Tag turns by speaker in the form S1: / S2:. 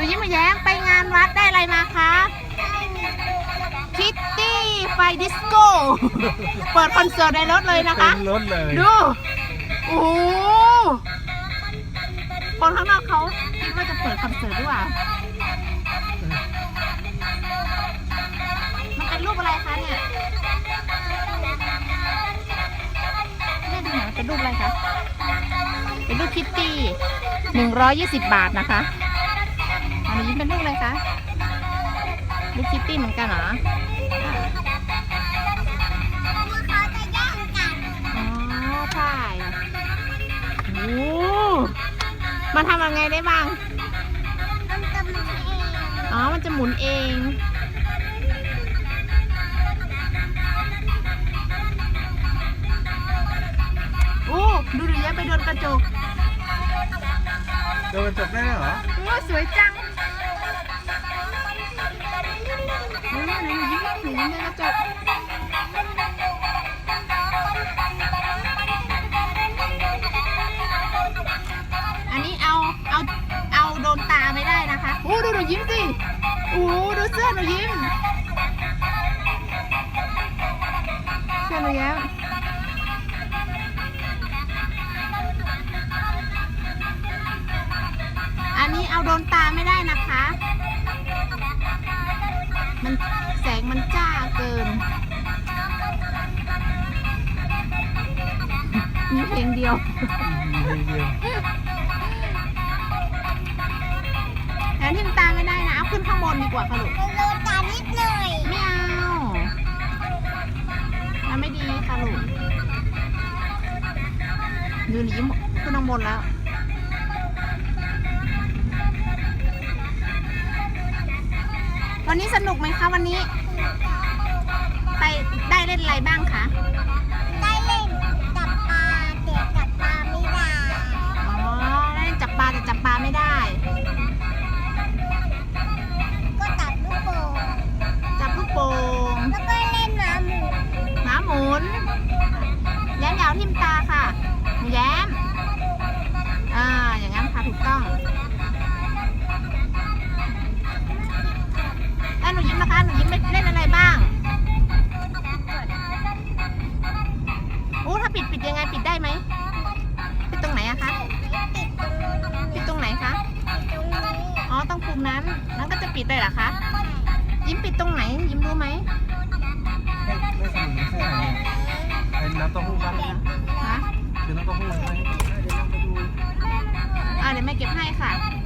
S1: ยิ้มมาแย้มไปงานวัดได้อะไรมาคะคิตตี้ไฟดิสโก้ เปิดคอนเสิร์ตในรถเลยนะคะ
S2: รถเลย
S1: ดู โอ้โหคนข้างนอกเขาคิดว่าจะเปิดคอนเสิร์ตด้วยว่ะมันเป็นรูปอะไรคะเนี่ยแม่ดูหน่อยมันเป็นรูปอะไรคะ เป็นรูปคิตตี้120 บาทนะคะอันนี้เป็นรูปอะไรคะรูปคิตตี้เหมือนกันเหรออ๋อใช่โอ้มันทำยังไงได้บ้างอ๋อมันจะหมุนเองโอ้ดูดิยังไปโดนกระจก
S2: โดนจบได้เหรอ
S1: โอ้สวยจังหนูยิ้มในกระจกอันนี้เอาโดนตาไม่ได้นะคะโอ้ดูหนูยิ้มสิโอ้ดูเสื้อหนูยิ้มเสื้อหนูยิ้มอันนี้เอาโดนตาไม่ได้นะคะมันแสงมันจ้าเกินมีเพลงเดียวแล้วทิมตาไม่ได้นะเอาขึ้นข้างบนดีกว่าค่ะลูกโดนตานิดหน่อยไม่เอามันไม่ดีค่ะลูกดูนี่ยิ้มขึ้นข้างบนแล้ววันนี้สนุกไหมคะวันนี้ไปได้เล่นอะไรบ้างคะได้เล่นจับปลาแต่จับปลาไม่ได้อ๋อได้เล่นจับปลาแต่จับปลาไม่ได้ก็จับลูกโป่งแล้วก็เล่นหมาหมุนแย้มยาวทิ่มตาค่ะแย้มอย่างนั้นค่ะถูกต้องแล้วหนูยิ้มนะคะหนูยิ้มเล่นอะไรบ้างโอ้ถ้าปิดยังไงปิดได้ไหมปิดตรงไหนอะคะปิดตรงไหนคะอ๋อต้องปุ่มนั้นก็จะปิดได้เหรอคะยิ้มปิดตรงไหนยิ้มรู้ไหม
S2: ไม่สนุกไม่ใช่ไหมเป็นน้ำเต้าหู้บ้างนะคือน้ำเต้าหู้ไหมเดี๋ยวเราไปดู
S1: เดี๋ยวแม่เก็บให้ค่ะ